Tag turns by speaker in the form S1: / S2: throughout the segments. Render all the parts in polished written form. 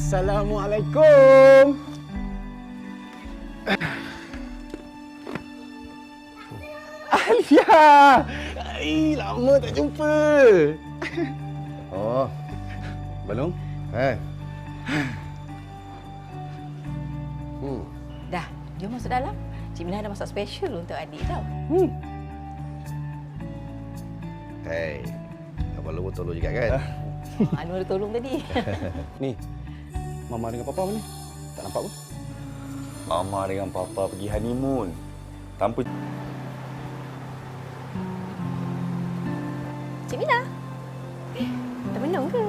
S1: Assalamualaikum. Alia! Lama tak jumpa.
S2: Oh, belum?
S3: Dah, jom masuk dalam. Cik Mila ada masak special untuk adik tau.
S2: Hei, Abang Long tolong juga kan?
S3: Anu ada tolong tadi.
S1: Ni, Mama dengan Papa mana? Tak nampak pun.
S4: Mama dengan Papa pergi honeymoon. Tanpa...
S3: Cik Mila. Dah minum ke?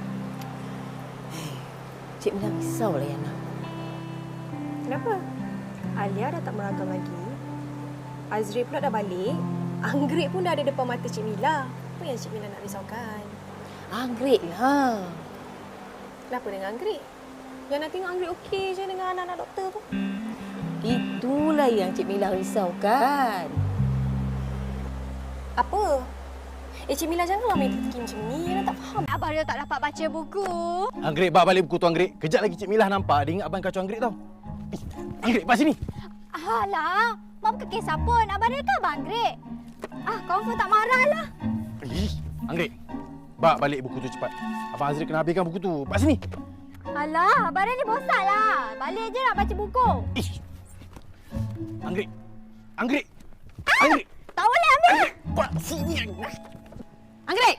S3: Cik Mila risau lah Yana.
S5: Kenapa? Alia dah tak meragam lagi. Azri pula dah balik. Anggrek pun dah ada depan mata Cik Mila. Apa yang Cik Mila nak risaukan?
S3: Anggrek lah.
S5: Kenapa dengan Anggrek? Yang nak tengok Anggrek okey je dengan anak-anak doktor tu.
S3: Itulah yang Cik Mila risaukan.
S5: Apa? Cik Mila janganlah main teki macam ni. Yana tak faham.
S6: Abang Rio tak dapat baca buku.
S1: Anggrek, bawa balik buku tu Anggrek. Kejap lagi Cik Milah nampak. Dia ingat abang kacau Anggrek tau. Anggrek, pas sini.
S6: Alah, Mak bukan kisah pun. Abang Rio kan Abang Greg. Confirm tak marah lah.
S1: Anggrek, bawa balik buku tu cepat. Abang Azri kena habiskan buku tu. Pas sini.
S6: Alah, Abang Rio ni bosan lah. Balik je nak baca buku.
S1: Anggrek. Anggrek. Anggrek.
S6: Tak boleh ambil.
S1: Pas sini.
S3: Anggrek!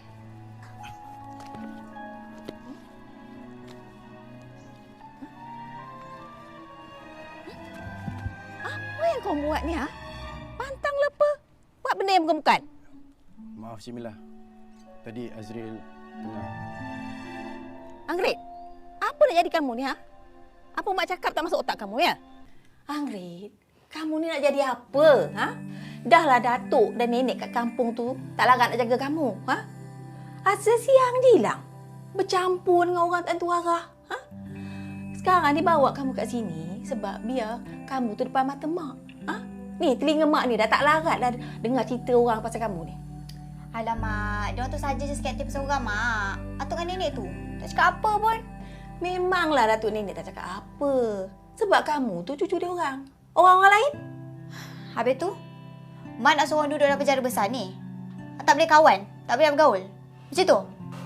S3: Apa yang kau buat ni, ha? Pantang lepa. Buat benda yang bukan-bukan.
S1: Maaf Cik Milah. Tadi Azril tengah...
S3: Anggrek, apa nak jadi kamu ni, ha? Apa mak cakap tak masuk otak kamu, ya? Anggrek, kamu ni nak jadi apa, ha? Dahlah datuk dan nenek kat kampung tu tak larat nak jaga kamu, ha? Asal siang je hilang. Bercampur dengan orang tak tentu arah, ha? Sekarang dia bawa kamu kat sini sebab biar kamu tu depan mata mak, ha? Ni telinga mak ni dah tak larat dah dengar cerita orang pasal kamu ni.
S6: Alamak, dia tu saja je sikit hati pasal orang, Mak. Atuk dengan nenek tu tak cakap apa pun.
S3: Memanglah datuk nenek tak cakap apa. Sebab kamu tu cucu dia orang. Orang-orang lain?
S6: Habis tu, Mak nak suruh duduk dalam penjara besar ni. Tak boleh kawan, tak boleh bergaul. Macam tu?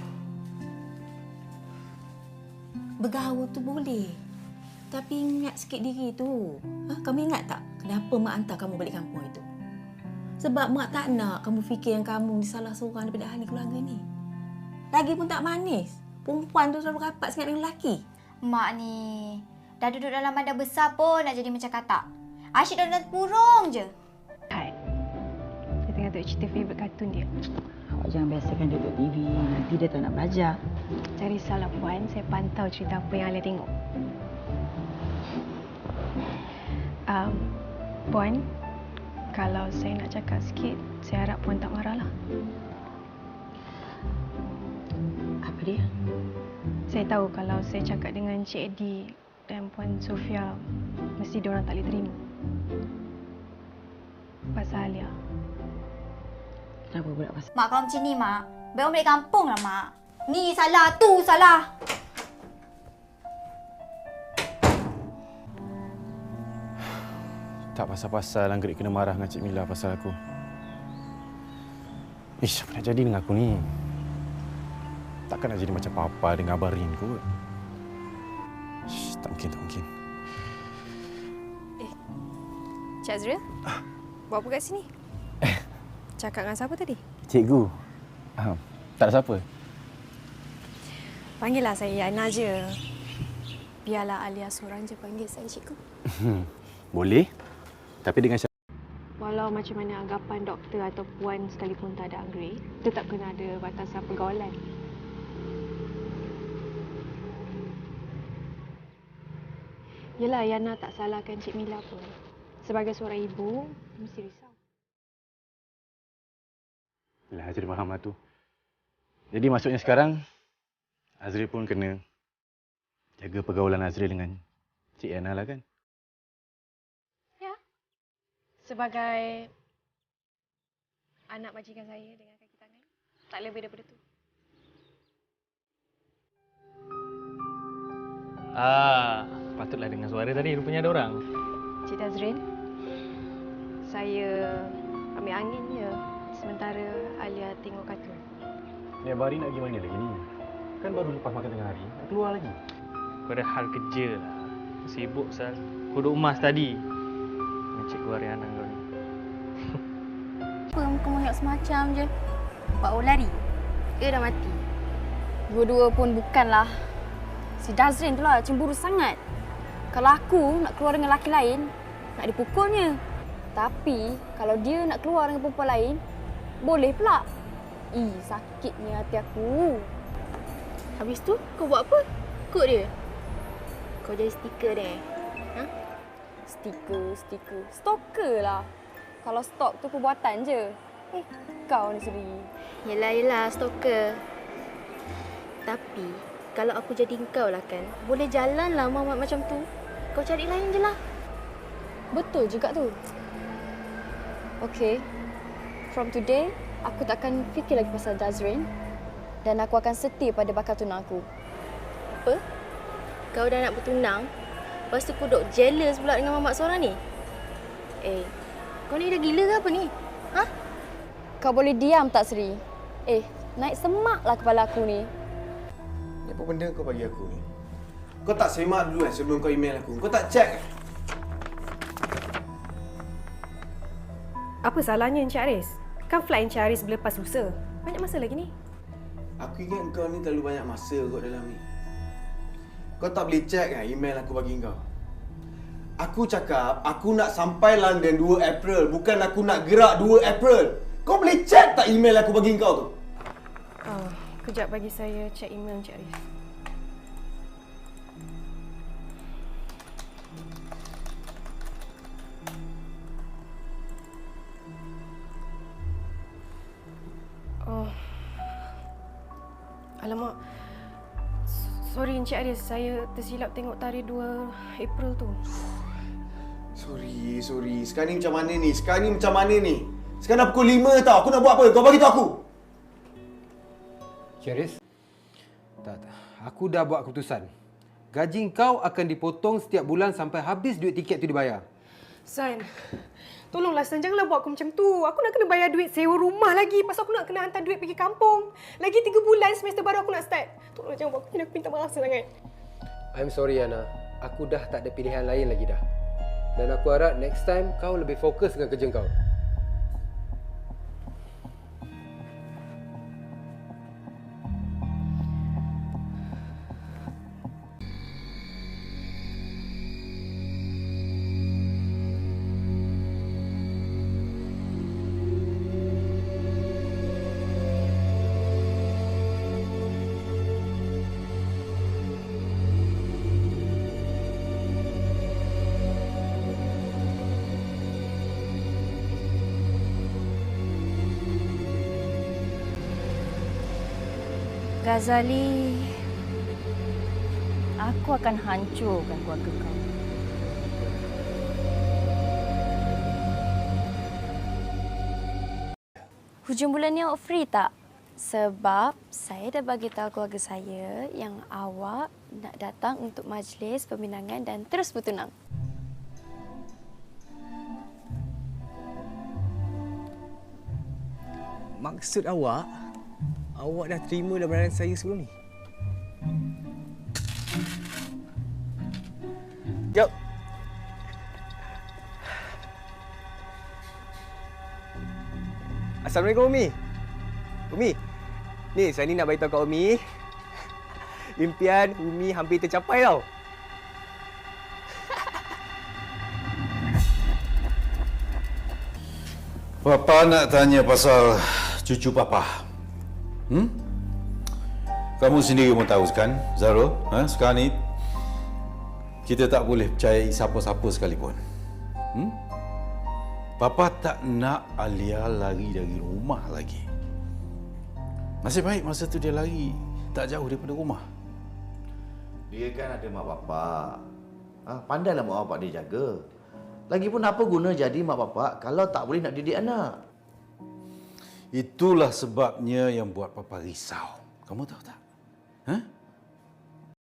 S3: Bergaul tu boleh. Tapi ingat sikit diri tu. Ha? Kamu ingat tak kenapa mak hantar kamu balik kampung itu? Sebab mak tak nak kamu fikir yang kamu ni salah seorang daripada ahli keluarga ni. Lagi pun tak manis. Perempuan tu selalu rapat sangat dengan lelaki.
S6: Mak ni dah duduk dalam badan besar pun nak jadi macam katak. Asyik dalam burung je.
S7: Hai. Dia tengah tengok cerita favourite kartun dia.
S8: Awak jangan biasakan dia tengok TV. Nanti dia tak nak belajar.
S7: Cari salah Puan, saya pantau cerita apa yang Alia tengok. Puan, kalau saya nak cakap sikit, saya harap Puan tak marahlah.
S8: Apa dia?
S7: Saya tahu kalau saya cakap dengan Cik Eddie dan Puan Sofia, mesti diorang tak boleh terima. Pasal Alia.
S8: Kenapa pula pasal?
S6: Mak kalau macam ni, Mak. Baik orang balik kampung lah, Mak. Ni salah, tu salah.
S1: Tak pasal-pasal Anggrek kena marah dengan Cik Mila pasal aku. Apa nak jadi dengan aku ni? Takkan nak jadi macam Papa dengan Abang Rin kot. Tak mungkin, tak mungkin.
S5: Cik Azril, buat apa kat sini? Cakap dengan siapa tadi?
S1: Cikgu. Tak ada siapa.
S5: Panggillah saya Yana je. Biarlah Alia seorang je panggil saya cikgu.
S1: Boleh. Tapi dengan syarat.
S7: Walau macam mana anggapan doktor atau Puan sekalipun tak ada Anggrek, tetap kena ada batasan pergaulan. Yelah, Yana tak salahkan Cik Mila pun. Sebagai seorang ibu, mesti risau.
S1: Yelah, Azri faham lah tu. Jadi maksudnya sekarang, Azri pun kena jaga pergaulan Azri dengan Cik Yana lah kan?
S7: Sebagai anak majikan saya dengan kaki tangan, tak lebih daripada tu.
S9: Patutlah dengar suara tadi. Rupanya ada orang.
S7: Cik Tazrin, saya ambil angin je sementara Alia tengok kartun.
S1: Ni Abang Ari nak pergi mana lagi ni? Kan baru lepas makan tengah hari. Nak keluar lagi.
S9: Kau ada hal kerja lah. Sibuk, Sal. Kau duduk emas tadi. Dengan Cikgu Ariana kau ni.
S3: Apa muka monyok semacam je? Buat orang lari.
S5: Dia dah mati. Dua-dua pun bukanlah. Si Dazrin tu lah cemburu sangat. Kalau aku nak keluar dengan lelaki lain, nak dipukulnya. Tapi kalau dia nak keluar dengan perempuan lain, boleh pula. Sakitnya hati aku. Habis tu kau buat apa? Kut dia? Kau jadi stiker dia? Ha? Stiker. Stalker lah. Kalau stalk tu perbuatan je. Kau ni Seri. Yelah, stalker. Tapi, kalau aku jadi kau lah kan, boleh jalan lah Muhammad macam tu. Kau cari lain je lah. Betul juga tu. Okay. From today, aku tak akan fikir lagi pasal Dazrin. Dan aku akan setia pada bakal tunang aku. Apa? Kau dah nak bertunang? Lepas tu kau duk jealous pula dengan mamak seorang ni? Kau ni dah gila ke apa ni? Ha? Kau boleh diam tak, Seri? Naik semaklah kepala aku ni.
S10: Ni apa benda kau bagi aku ni? Kau tak semak dulu sebelum kau email aku? Kau tak check?
S5: Apa salahnya Encik Aris? Kan flight Encik Aris bila lepas lusa. Banyak masa lagi ni.
S10: Aku ingat kau ni terlalu banyak masa kot dalam ni. Kau tak boleh check kan email aku bagi kau? Aku cakap aku nak sampai London 2 April. Bukan aku nak gerak 2 April. Kau boleh check tak email aku bagi kau tu?
S5: Kejap bagi saya check email Encik Aris. Alamak. Sorry Encik Aris, saya tersilap tengok tarikh 2 April tu.
S10: Sorry. Sekarang ni macam mana ni? Sekarang dah pukul 5 tau. Aku nak buat apa? Kau bagi tahu aku.
S11: Charis? Tak. Aku dah buat keputusan. Gaji kau akan dipotong setiap bulan sampai habis duit tiket tu dibayar.
S5: San, tolonglah San, janganlah buat aku macam tu. Aku nak kena bayar duit sewa rumah lagi. Pasal aku nak kena hantar duit pergi kampung. Lagi 3 bulan semester baru aku nak start. Tolonglah jangan buat aku kena minta maaf sangat.
S11: I'm sorry, Ana. Aku dah tak ada pilihan lain lagi dah. Dan aku harap next time kau lebih fokus dengan kerja kau.
S3: Ghazali, aku akan hancurkan keluarga kau. Hujung bulan ni awak free tak? Sebab saya dah bagi tahu keluarga saya yang awak nak datang untuk majlis peminangan dan terus bertunang.
S12: Maksud awak dah terima lamaran saya sebelum ni? Jom. Assalamualaikum Umi. Umi, ni saya ni nak beritahu kat Umi. Impian Umi hampir tercapai tau.
S2: Papa nak tanya pasal cucu Papa. Kamu sendiri pun tahu kan, Zaro? Sekarang ni kita tak boleh percayai siapa-siapa sekalipun. Papa tak nak Alia lari dari rumah lagi. Nasib baik masa tu dia lari tak jauh daripada rumah.
S13: Dia kan ada mak bapak. Pandailah mak bapak dia jaga. Lagipun apa guna jadi mak bapak kalau tak boleh nak didik anak?
S2: Itulah sebabnya yang buat Papa risau. Kamu tahu tak?